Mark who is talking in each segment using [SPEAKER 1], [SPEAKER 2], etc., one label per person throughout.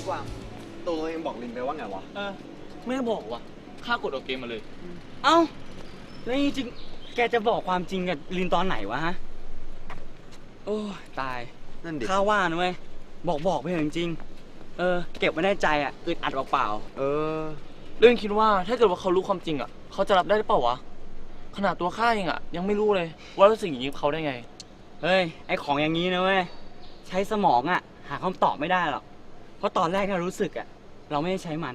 [SPEAKER 1] พี่กวางตัวเองบอกลินไปว่าไงวะ
[SPEAKER 2] ไม่ได้บอกว่ะข้ากดออกเกมมาเลย
[SPEAKER 3] เอ้าแล้วจริงๆแกจะบอกความจริงกับลินตอนไหนวะฮะโอ้ตาย
[SPEAKER 1] นั่นดิ
[SPEAKER 3] ข้าว่านะเว้ยบอกไปเถอะจริงๆเก็บไว้ในใจอ่ะอึดอัดเปล่า
[SPEAKER 2] เรื่องคิดว่าถ้าเกิดว่าเขารู้ความจริงอ่ะเขาจะรับได้หรือเปล่าวะขนาดตัวข้าเองอ่ะยังไม่รู้เลยว่าสิ่งอย่างนี้เขาได้ไง
[SPEAKER 3] เฮ้ยไอของอย่างนี้นะเว้ยใช้สมองอ่ะหาคำตอบไม่ได้หรอกเพราะตอนแรกที่เรารู้สึกอ่ะเราไม่ได้ใช้มัน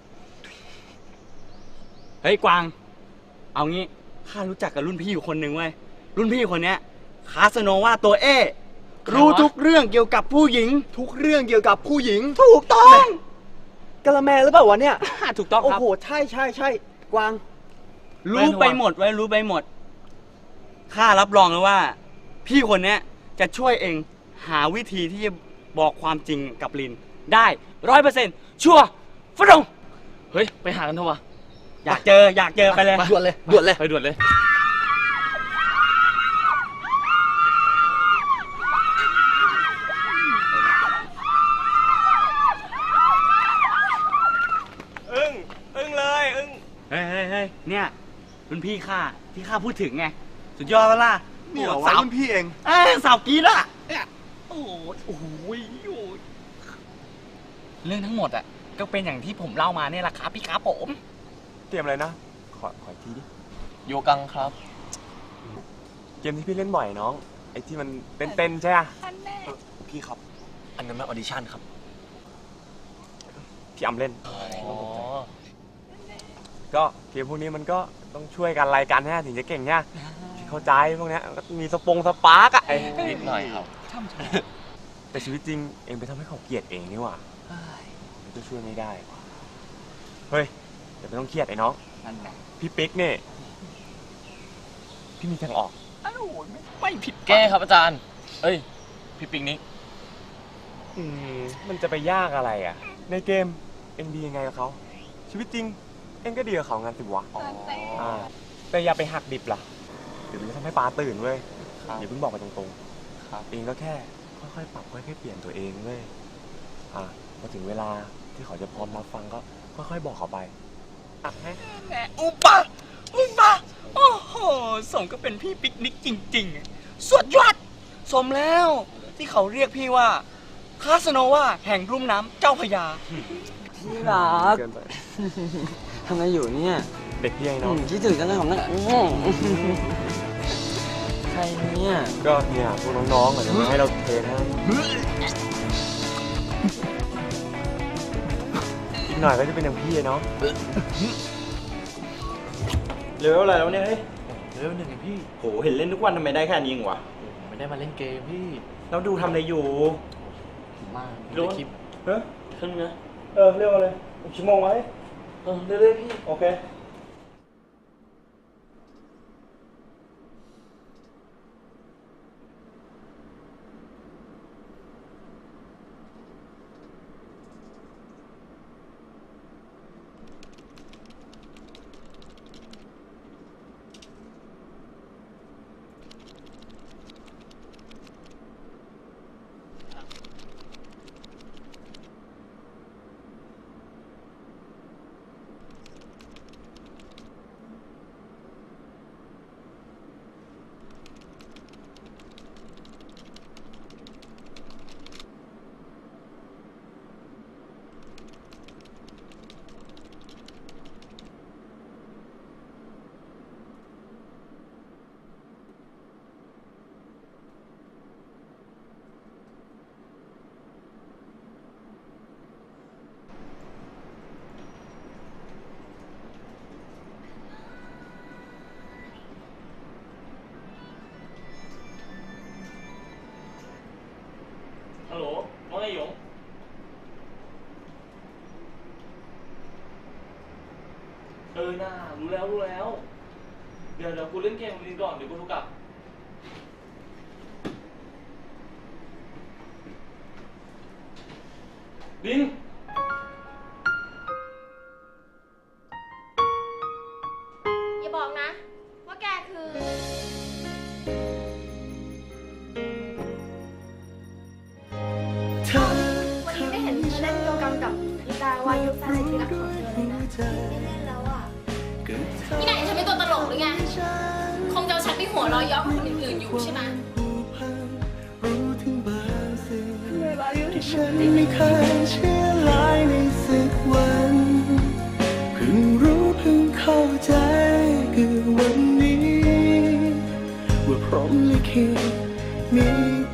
[SPEAKER 3] เฮ้ยกวางเอางี้ข้ารู้จักกับรุ่นพี่อยู่คนหนึ่งเว้ยรุ่นพี่คนเนี้ยคาสโนว่าตัวรู้ทุกเรื่องเกี่ยวกับผู้หญิง
[SPEAKER 1] ทุกเรื่องเกี่ยวกับผู้หญิง
[SPEAKER 3] ถูกต้อง
[SPEAKER 1] กะละแมหรือเปล่าวะเนี่ย
[SPEAKER 3] ถูกต้องครับ
[SPEAKER 1] โอ้โหใช่กวาง
[SPEAKER 3] รู้ไปหมดไว้รู้ไปหมดข้ารับรองเลยว่าพี่คนเนี้ยจะช่วยเองหาวิธีที่จะบอกความจริงกับลินได้100%ชัวร์ฟรง
[SPEAKER 2] เฮ้ยไปหากันเถอะวะ
[SPEAKER 3] อยากเจอไปเลย
[SPEAKER 1] ด่วนเลย
[SPEAKER 2] ไปด่วนเลย
[SPEAKER 3] อึ้งเลยเฮ้ยเนี่ยรุ่นพี่ข้าที่ข้าพูดถึงไงสุดยอดเวล่ะ
[SPEAKER 1] นี่เหรอวะรุ่นพี่เอง
[SPEAKER 3] สาวกีดอ่ะโอ้โหเรื่องทั้งหมดอ่ะก็เป็นอย่างที่ผมเล่ามาเนี่ยแหละครับพี่ครับผม
[SPEAKER 4] เกมอะไรนะขออีกทีดิ
[SPEAKER 2] โยกังครับ
[SPEAKER 4] เกมที่พี่เล่นบ่อยน้องไอ้ที่มันเต้นใช่ไหม
[SPEAKER 1] พี่ครับอันนั้นมันออดิชั่นครับ
[SPEAKER 4] ที่อำเล่นก็เกมพวกนี้มันก็ต้องช่วยกันรายการแน่ถึงจะเก่งเนี่ยเข้าใจพวกนี้มีสปาร์กอะ
[SPEAKER 2] นิดหน่อยครับ
[SPEAKER 4] แต่ชีวิตจริงเองไปทำให้เขาเกลียดเองนี่หว่ามันก็ช่วยไม่ได้เฮ้ยเดี๋ยวไม่ต้องเครียดไอ้น้องพี่ปิ๊กเนี่ยพี่มีทางออก
[SPEAKER 2] ไม่ผิดแก้ครับอาจารย์พี่ปิ๊กนี้
[SPEAKER 4] มันจะไปยากอะไรอ่ะในเกมเอ็งดียังไงกับเขาชีวิตจริงเอ็งก็ดีกับเขางานสิวะแต่อย่าไปหักดิบล่ะเดี๋ยวมันจะทำให้ปลาตื่นเว้ยอย่าเพิ่งบอกไปตรงๆเองก็แค่ค่อยๆปรับค่อยๆเปลี่ยนตัวเองเว้ยพอถึงเวลาที่เขาจะพร้อมรับฟังก็ค่อยๆบอกเขาไป
[SPEAKER 3] แหมอุปะโอ้โหสมก็เป็นพี่ปิกนิกจริงๆสุดยอดสมแล้วที่เขาเรียกพี่ว่าคาสโนวาแห่งรุ่มน้ำเจ้าพระยาที่รักทำไมอยู่เนี่ย
[SPEAKER 4] เด็กพี่ไอ้น้อง
[SPEAKER 3] คิดถึงกันเลยผมนะใครเนี่ย
[SPEAKER 4] ก็เนี่ยพวกน้องๆจะมาให้เราเทให้อีกหน่อยก็จะเป็นอย่างพี่ไอ้น้อง
[SPEAKER 3] เลเวลอะไรแล้วเนี่ยเฮ้ย
[SPEAKER 2] เลเวล1พี่
[SPEAKER 3] โหเห็นเล่นทุกวันทำไมได้แค่นี้เองวะ
[SPEAKER 2] ไม่ได้มาเล่นเกมพี่
[SPEAKER 3] เราดูทำอะไรอยู่
[SPEAKER 2] มา
[SPEAKER 3] ดู
[SPEAKER 2] คลิป
[SPEAKER 3] ขึ้นนะเรียกว่าอะไรชั่วโมงไหม
[SPEAKER 2] เรื่อยๆพี่
[SPEAKER 3] โอเค
[SPEAKER 2] ฮัลโหลว่าไงหยงน่ารู้แล้วเดี๋ยวกูเล่นเกมลินก่อนเดี๋ยวกูโทรกลับลิน
[SPEAKER 5] อย่าบอกนะว่าแกคือ วันนี้ไม่เห็นเธอเล่นโยกังแฟนที่รักของเธอเลยนะไม่เล่นแล้วอ่ะนี่ไหนฉันเป็นตัวตลกหรือไง คงจะเอาฉันไปหัวเราะเย้อคนอื่นๆอยู่ใช่ไหม
[SPEAKER 6] ฉันไม่เคยเชื่อหลายในสักวันเพิ่งรู้เพิ่งเข้าใจคือวันนี้ว่าพรหมลิขิตมี